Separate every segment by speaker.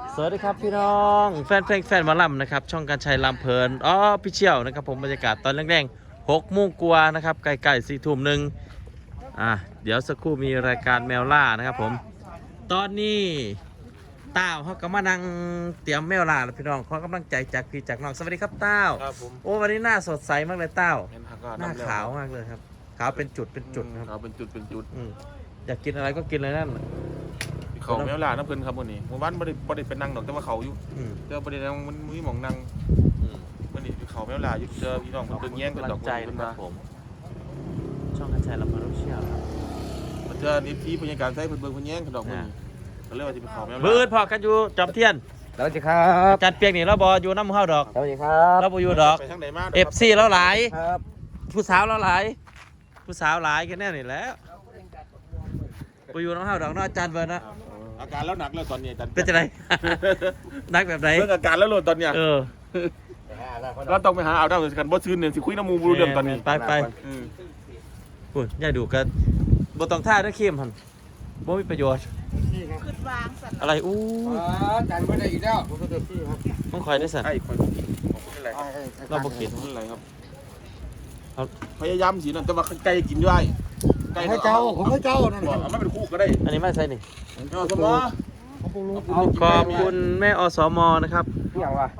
Speaker 1: สวัสดีครับพี่น้องแฟนเพลงแฟนหมอลำนะครับช่องการชัยลำเพลินพี่เชี่ยวนะครับผมบรรยากาศตอนแรงๆ6 โมงกว่านะครับใกล้ๆ4 ทุ่มหนึ่งเดี๋ยวสักครู่มีรายการแมวล่านะครับผมตอนนี้ต้าวเขากำลังนั่งเตรียมแมวล่าแล้วพี่น้องขอกำลังใจจากพี่จากน้องสวัสดีครับต้าว
Speaker 2: ครับผม
Speaker 1: โอ้วันนี้หน้าสดใสมากเลยต้าว หน้า
Speaker 2: หน้า
Speaker 1: ขาวมากเลยครับขาวเป็นจุดครับ
Speaker 2: ขาวเป็นจุด
Speaker 1: อยากกินอะไรก็กินเลยนั่น
Speaker 2: เขาแมวลาน้ำเพลินครับวันนี้เมื่อวานบ่ได้เป็นนั่งดอกแต่ว่าเขาอยู่เจอประเด็นมันมีหมองนั่งวันนี้เขาแมวลาอยู่เจอพี่น้องเพิ่งแย่งกันดอก
Speaker 1: ใจนะครับผมช่องการชัยลำเพลินเชี่ยว
Speaker 2: มันเจอนิทีพยาการใช้เพิ่งแย่งกันดอกมันก็เลยว่าจะเป็นเขาแมวลา
Speaker 1: บื้อพอกันอยู่จอมเทียน
Speaker 3: สวัสดีครับ
Speaker 1: จัดเปียกนี่เราบออยู่น้ำเข้าดอก
Speaker 3: สวัสดีครับ
Speaker 1: เราบอยู่ดอก
Speaker 2: ไปทางไหนมา
Speaker 1: FC เราหลาย
Speaker 3: ครับ
Speaker 1: ผู้สาวเราหลายผู้สาวหลายแค่แน่นี่แหล้วบอยู่น้ำเข้าดอกเนาะอาจารย์เบิร์นนะ
Speaker 2: อาการแล้วหนักแล้วตอนนี้อาจารย์
Speaker 1: เป็นจะไร นักแบบไหน
Speaker 2: เรื่องอาการแล้วโหลดตอนเนี้ย เราต้องไปหาเอาดาวกันบ่ซื้อเนี่ยสิคุยน้ำมูบูเรื่องตอนนี้
Speaker 1: ไปคุณอย่าดูกันบต้องท่าด้วยเข้มพันบ่มีประโยชน์อะไรอู้
Speaker 3: จานไม่ได้อีกแล้ว
Speaker 1: ต้องคอยได้สั่น
Speaker 2: ไอ้คนอะไรครับ
Speaker 1: เราบ่กิน
Speaker 2: อะไรครับ
Speaker 1: เอา
Speaker 2: พยายามสินั่นแต่ว่าไก่กินด้วยไก่
Speaker 3: ให้เจ้าผมให้เจ้านั่น
Speaker 2: บอกเอาไม่เป็นคู่ก็ได้
Speaker 1: อันนี้ไม่ใช่นี่
Speaker 2: เอาสมอ
Speaker 1: ขอบคุณแม่อสมนะครับ
Speaker 3: เที่ยงว่ะ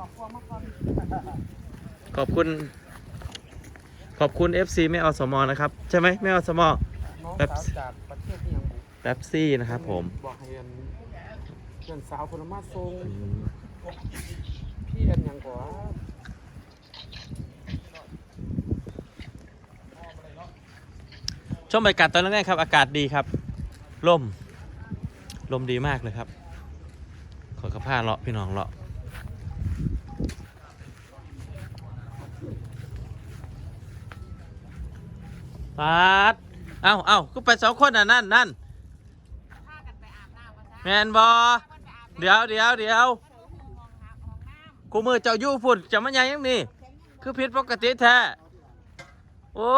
Speaker 1: ขอบคุณ FC แม่อสมนะครับใช่ไหมแม่อสม
Speaker 3: น้องสาวจากประเทศที่ยัง
Speaker 1: แป๊บซี่นะครับผม
Speaker 3: บอกให้เพื่อนสาวคนมาส่งพี่อันยังกว่า
Speaker 1: ช่วงบรรยากาศตอนแรกครับอากาศดีครับลมดีมากเลยครับขอกระพ้าเลาะพี่น้องเลาะปาดเอ้าก็ไป2 คนนั่นแมนบอเดี๋ยวกูมือเจ้ายู่ฝุ่นจะมันยังนี่คือผิดปกติแท้โอ้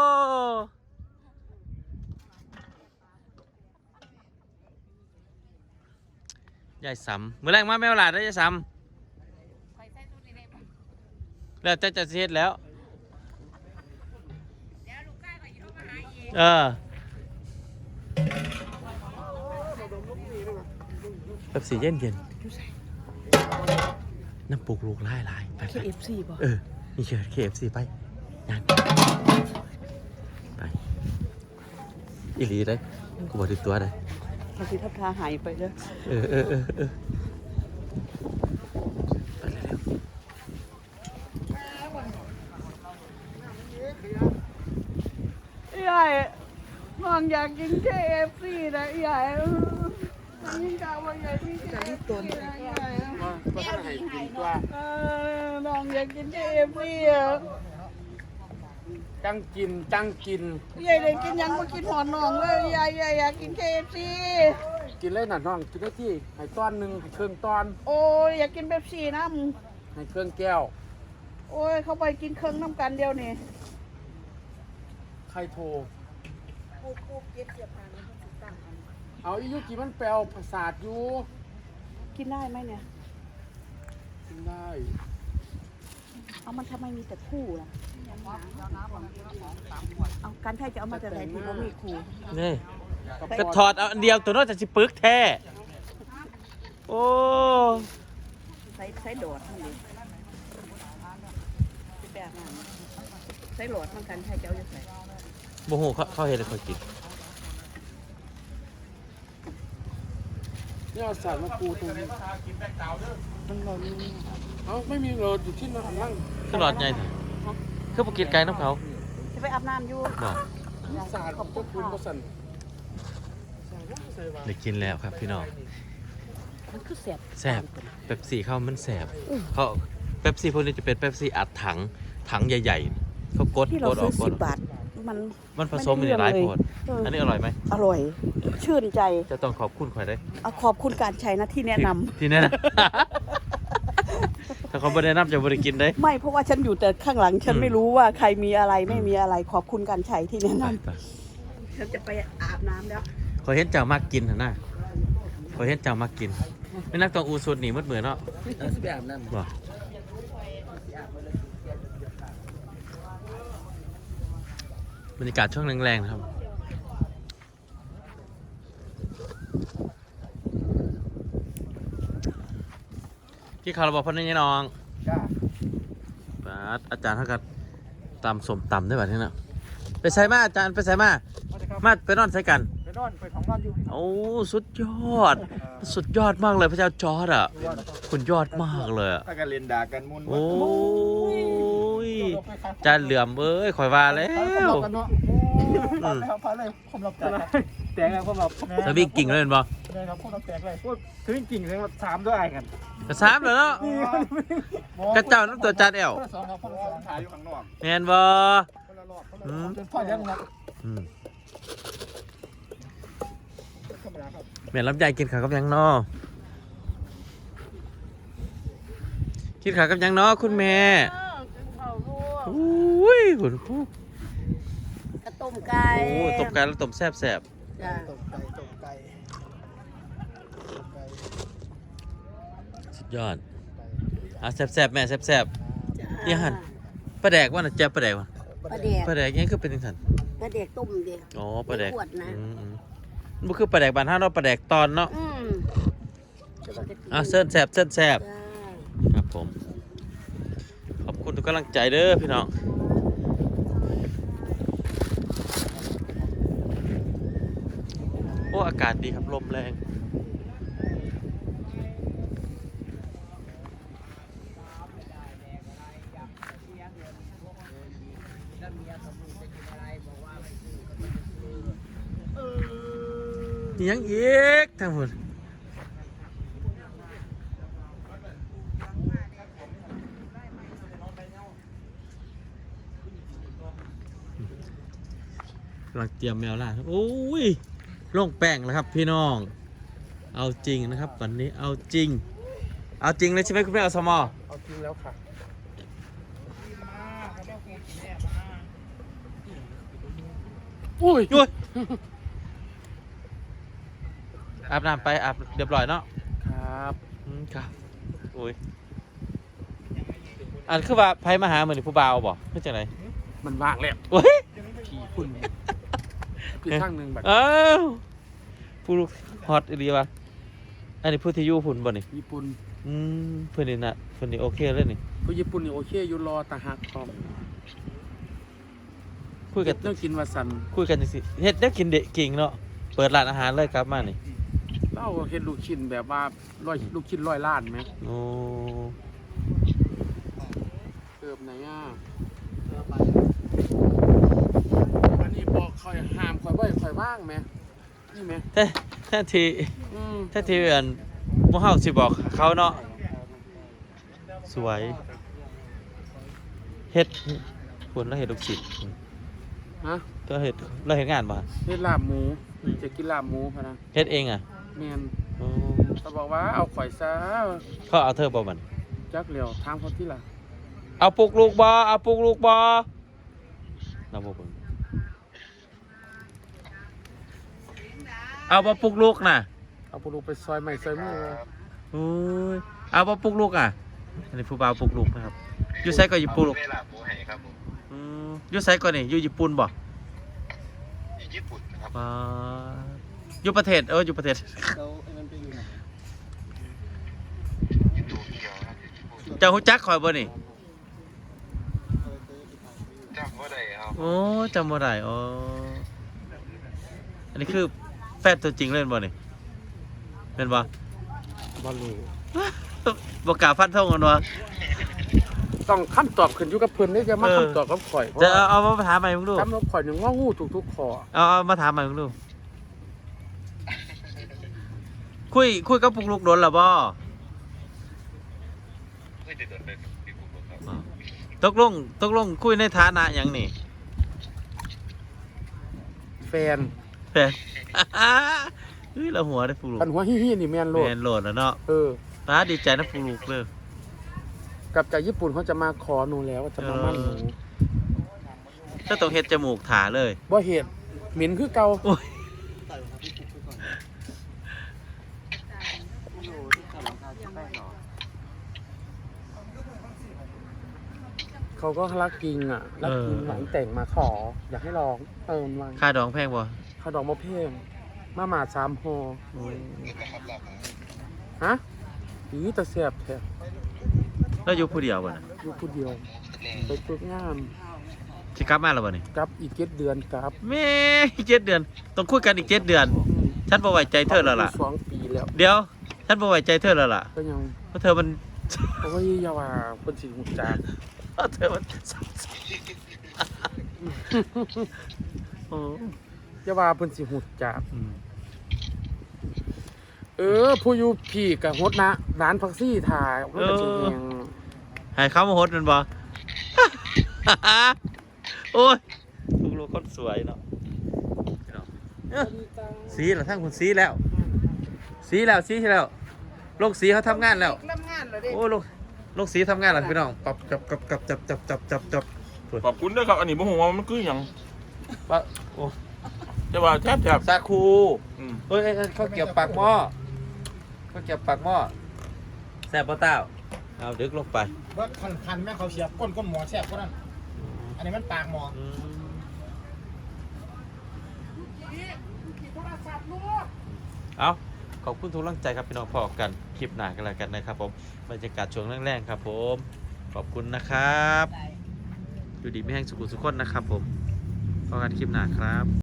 Speaker 1: ยายสำมือแรกมาแมวหลาดได้ยายสำแล้วจะเสร็จแล้วแบบสีเย็นน้ำปลูกลูกไล่ไป
Speaker 4: KFC ป่ะ
Speaker 1: นี่เชิญ KFC ไปงานไปอีหลีเลยกูบอกติดตัวเลย
Speaker 4: บางทีทับทาหายไปเลย
Speaker 1: ไปเร็ว
Speaker 4: ใหญ่มองอยากกิน KFC นะใหญ่มันยิ่งกาวใหญ่ที่ KFC นะใหญ่
Speaker 3: ก็ต้องให้กินตัว
Speaker 4: น้องอยากกิน KFC อ่ะ
Speaker 3: จังกิน
Speaker 4: ใหญ่เลยกินยังไม่กินหอนน้องเลยใหญ่อยากกิน KFC
Speaker 3: กินเลยน่ะน้องกินได้ที่ให้ต้อนหนึ่งให้เครื่องต้อน
Speaker 4: โอ้ยอยากกินเป๊ปซี่น้
Speaker 3: ให้เครื่องแก้ว
Speaker 4: ำโอ้ยเข้าไปกินเครื่องน้ำกันเดียวนี่
Speaker 3: ใครโทรเอาอียุกี่มันแปลวประสาทอยู่
Speaker 4: กินได้ไหมเนี่ย
Speaker 3: กินได้
Speaker 4: เอามันทำไมมีแต่คู่ล่ะเอากันไทยจะเอามาจากไหนที่เขามีคู่
Speaker 1: นี่ก็ถอดเอาอันเดียวตัวนอกจากสิปึกแท้โอ้
Speaker 4: ใช้โดดมันดิแบบนั้นใช้โหลดมันกันไทยจะเอาจะใส่
Speaker 1: โมโหเขาเห็นแล้วเขากิน
Speaker 3: นี่เอาสารมาปูตรงนี้มันรอนี่เอ้าไม่มีรถอยู่ที่นั่งนั่ง
Speaker 1: คือหลอดใหญ่คือปกินไก่น้ำเขา
Speaker 4: จะไปอาบน้ำอยู่
Speaker 1: บอก
Speaker 3: สารขอบคุณประสัน
Speaker 1: ได้กินแล้วครับพี่น้อง
Speaker 4: มันคือแสบ
Speaker 1: แสบเป๊ปซี่เขามันแสบเขาเป๊ปซี่พวกนี้จะเป็นเป๊ปซี่อัดถังใหญ่ๆเขากด
Speaker 4: ที่เรา
Speaker 1: อ
Speaker 4: ซื้
Speaker 1: อ
Speaker 4: อก
Speaker 1: กด
Speaker 4: 10 บาทมัน
Speaker 1: ผสมอยู่ในหลายโพดอันนี้อร่อยไหม
Speaker 4: อร่อย ชื่นใจ
Speaker 1: จะต้องขอบคุณใครได้
Speaker 4: เอาขอบคุณการใช้นะที่แนะนำ
Speaker 1: ที่แน่นะ ถ้าเขาไม่ได้นำจะบริกินได้
Speaker 4: ไม่เพราะว่าฉันอยู่แต่ข้างหลังฉันไม่รู้ว่าใครมีอะไรไม่มีอะไรขอบคุณการใช้ที่แนะนำฉันจะไปอาบน้ำแล้ว
Speaker 1: เขาเห็นเจ้ามากกินนะเขาเห็นเจ้ามากกิน
Speaker 4: ค
Speaker 1: ไม่นักต้องอูสุดหนีมืดเหมือนเนาะ
Speaker 3: สิไปอาบน้ำ
Speaker 1: บ่บรรยากาศช่วงแรงๆนะครับพี่คาร์บอพันนี่น้อง
Speaker 3: จ้า
Speaker 1: อาจารย์เท่ากับตำสมตำได้แบบนี้นะไปใส่มาอาจารย์ไปใส่มามาไปนอนใส่กัน
Speaker 3: ไปนอนไปของนอนอยู่
Speaker 1: โอ้สุดยอด สุดยอดมากเลยพระเจ้าจอร์ดอ่ะคุณยอดมากเลยอ่ะ
Speaker 2: ถ้ากันเล่นด่ากันมุน
Speaker 1: โอ้ยจานเหลื่อมเอ้ยข่อยว่าแล้ว
Speaker 3: กันเนาะพาเลยผมรับแตกแล้วผมรับ
Speaker 1: สวิงกิ่งเลยเห็นบ่
Speaker 3: ได้ครับผมรับแตกเลยพูดถึงกิ่งเลยว่า3ด้วยกัน
Speaker 1: กระซ้ำเลยเนาะกระเจ้าน้ำตัวจานแอว
Speaker 3: คนละ2ครับคนละ2
Speaker 2: ถ่ายอยู่ข้างนอก
Speaker 1: แมนบ่
Speaker 3: คนละรอบคนละรอบจนพ่อเลี้ยงครับ
Speaker 1: อืม
Speaker 3: ธรรมดาครับ
Speaker 1: แม่ลำไยกินข้าวกับหยังเนาะกินข้าวกับหยังเนาะคุณแม่
Speaker 4: เขาลวก
Speaker 1: อุ้ยคุณครู
Speaker 4: กระต้มไก่
Speaker 1: โอ้ตบไก่แล้วตบแซ่บ
Speaker 4: จ้ะ
Speaker 3: ตกไก่
Speaker 1: ๆสุดยอดอ่ะแซ่บๆแม่แซ่บๆนี่หันปลาแดกว่าน่ะแจ๊บปลาแดกว่ะ
Speaker 4: ปลาแดก
Speaker 1: ปลาแดกยังคือเป็นจังซั่น
Speaker 4: ปลาแดกต้มเดียว
Speaker 1: อ๋อปลาแดก
Speaker 4: ขวดนะ
Speaker 1: มันบ่คือปลาแดกบ้านเฮาเนาะปลาแดกตอนเนาะอ่ะเส้นแซ่บเส้นแซ่บ
Speaker 4: จ้า
Speaker 1: ครับผมขอบคุณทุกกำลังใจเด้อพี่น้องโอ้อากาศดีครับลมแรงยังอีกทั้งหมดกำลังเตรียมแมวล่าโอ้ยลงแป้งแล้วครับพี่น้องเอาจริงนะครับวันนี้เอาจริงเอาจริงเลยใช่ไหมคุณแม่อสมอ
Speaker 3: เอาจริงแล้วค่ะ
Speaker 1: อุ้ยยุ้ยอาบน้ำไปอาบเรียบร้อยเนาะ
Speaker 3: ครับ
Speaker 1: ครับอุ้ยอันคือว่าไพ่มาหาเหมือนผู้บ่าวบ่เพื่อจะไหน
Speaker 3: มันว่างแล้ว
Speaker 1: โอ้ย
Speaker 3: ผีคุณคือข้างหนึ่งแบบ
Speaker 1: อ้าวผู้ลูกฮอตอีหลีวะอันนี้ผู้ที่อยู่หุ่นบ่นี่
Speaker 3: ญี่ปุ่น
Speaker 1: เพื่อนนี่นะเพื่อนนี่โอเคเลยนี่
Speaker 3: ผู้ญี่ปุ่นนี่โอเคอยู่รอตาหักพร้อม
Speaker 1: คุยกัน
Speaker 3: ต้องกินวาซัน
Speaker 1: คุยกันจังสิเฮ็ดได้กินเด็กกิ่งเนาะเปิดร้านอาหารเลยครับมานี่
Speaker 3: เล่าเห็นลูกชิ้นแบบว่าลูกชิ้น100 ล้านไหม
Speaker 1: โอ้
Speaker 3: เติมไหนอ่ะอันนี้บอกคอยห้ามคอยบ่อยคอยว่างไหมนี่ไหม
Speaker 1: แท้ที
Speaker 3: อืม
Speaker 1: แท้ทีอันพวกเฮาสิบอกเขาเนาะสวยเฮ็ดคนแล้วเฮ็ดลูกศิษย์
Speaker 3: ฮะ
Speaker 1: ก็เฮ็ดแล้วเฮ็ดงานบ่
Speaker 3: เฮ็ดลาบหมูจะกินลาบหมูพะนะ
Speaker 1: เฮ็ดเองอ่ะ
Speaker 3: แมน
Speaker 1: โอ้
Speaker 3: เขาบอกว่าเอาข่อยซะ
Speaker 1: เขาเอาเธอบ่มัน
Speaker 3: จักเหลียวถามเขาที่ล่ะ
Speaker 1: เอาปลุกลูกบ่เอาปลุกลูกบ่เราบ่เบิ่งเอาบ่ปลุกลูกน่ะ
Speaker 3: เอาปลูกไปซอยใหม่ซอยมือ
Speaker 1: โอ้ยเอาบ่ปลุกลูกอ่ะอันนี้ผู้บ่าวปลุกลูกนะครับอยู่ไสก็อยู่ปลุกลูกอยู่ไสก็นี่อยู่ญี่ปุ่นบ่
Speaker 2: ญี่ปุ่นนะครับ
Speaker 1: อยู่ประเทศอยู่ประเทศ
Speaker 3: เราอันนั้นไปอยู่ไหน
Speaker 2: โตเกียวนะ
Speaker 1: เจ้าฮู้จักข่อยบ่นี่
Speaker 2: จำว่าได้ครับ
Speaker 1: โอ้จำบ่ได้อ๋ออันนี้คือแฟนตัวจริงเลยบ่นี่เป็นบ่
Speaker 3: บอลลู
Speaker 1: บ่กล้าฟันธงกันวะ
Speaker 3: ต้องคำตอบขึ้นอยู่กับเพิ่นนี่จะมาคำตอบกับข่อยเพราะ
Speaker 1: จะ
Speaker 3: ว่า
Speaker 1: เอามาถามใหม่มึงดู
Speaker 3: คำตอบข่อยหนึ่งว่างูทุกๆข้อ
Speaker 1: เอามาถามใหม่มึงดูคุยกับปุกลูกโดนหรอบ่
Speaker 2: ไม่ได้เดินไปที่ผมครับ
Speaker 1: ตกลงคุยในฐานะหยังนี่
Speaker 3: แฟน
Speaker 1: แฟน เฮ้ยเราหัวได้ปุกลูก
Speaker 3: ปันหัวฮี้ๆนี่แมนโลด
Speaker 1: แมนโหลดแล้วเนาะ ป้าดีใจนะปุกลูกเลย
Speaker 3: กับจากญี่ปุ่นเขาจะมาขอหนูแล้วว่าจะมามั่นหนู
Speaker 1: ถ้าต้องเฮ็ดจมูกถาเลย
Speaker 3: บ่เหตุเหม็นคือเก่า
Speaker 1: โอ้ย
Speaker 3: เขาก็รักจริงอ่ะรักจริงหลังแต่งมาขอ อยากให้ลองเติมมา
Speaker 1: ค่าดองแพงบ่
Speaker 3: เขาดอกมะเพ่งมาหมา3 ห่อฮะอีตะเสียบแท้
Speaker 1: แล้วอยู่ผู้เดียวบ่น่ะ
Speaker 3: อยู่ผู้เดียวไปฝึกงาน
Speaker 1: สิกลับมาแล้วบ่นี่
Speaker 3: กลับอีก7 เดือนกลับ
Speaker 1: แม่อีก7 เดือนต้องคุยกันอีก7 เดือนฉันบ่ไว้ใจเธอแล้วล่ะ
Speaker 3: 2 ปีแล้ว
Speaker 1: เดี๋ยวฉันบ่ไว้ใจเธอแล้วล่ะ
Speaker 3: ก็ยัง
Speaker 1: เพราะเธอมัน
Speaker 3: โอ้ยอย่าว่าเพิ่นสิฮู้จัก
Speaker 1: เพราะเธอมันโอ้
Speaker 3: อย่าว่าเพิ่นสิฮู้จักผู้อยู่พี่ก็ฮดนะร้านพักซี่ถ่ายมันก็สิแฮง
Speaker 1: ให้เขามาโฮสต์มันบ่ โอ้ยลูกคนสวยเนาะสีเหรอทั้งคุณสีแล้วสีแล้วโลกสีเขาทำงานแล้ว
Speaker 4: ทำงานเหรอเด็ก
Speaker 1: โอ้โลกสีทำงานแล้วพี่น้องปับจับ
Speaker 2: ขอบคุณด้วยครับอันนี้บ่ฮู้ว่ามันคือหยัง
Speaker 1: ปะโอ้
Speaker 2: แต่ว่าแทบ
Speaker 1: ซาคู
Speaker 2: อืม
Speaker 1: เอ้ยเขาเกี่ยวปากหม้อแซ่บปะเต้าเอาดึกลงไป
Speaker 5: ว่าคันแม่เขาเสียบก้นหมอแสบก็นั่นอันนี้มันปากหมอ
Speaker 1: เอาขอบคุณทุกกำลังใจครับพี่น้องพอกันคลิปหน้ากันแล้วกันนะครับผมบรรยากาศช่วงแรงๆครับผมขอบคุณนะครับอยู่ดีไม่แห้งสุขุสุขคนนะครับผมพอกันคลิปหน้าครับ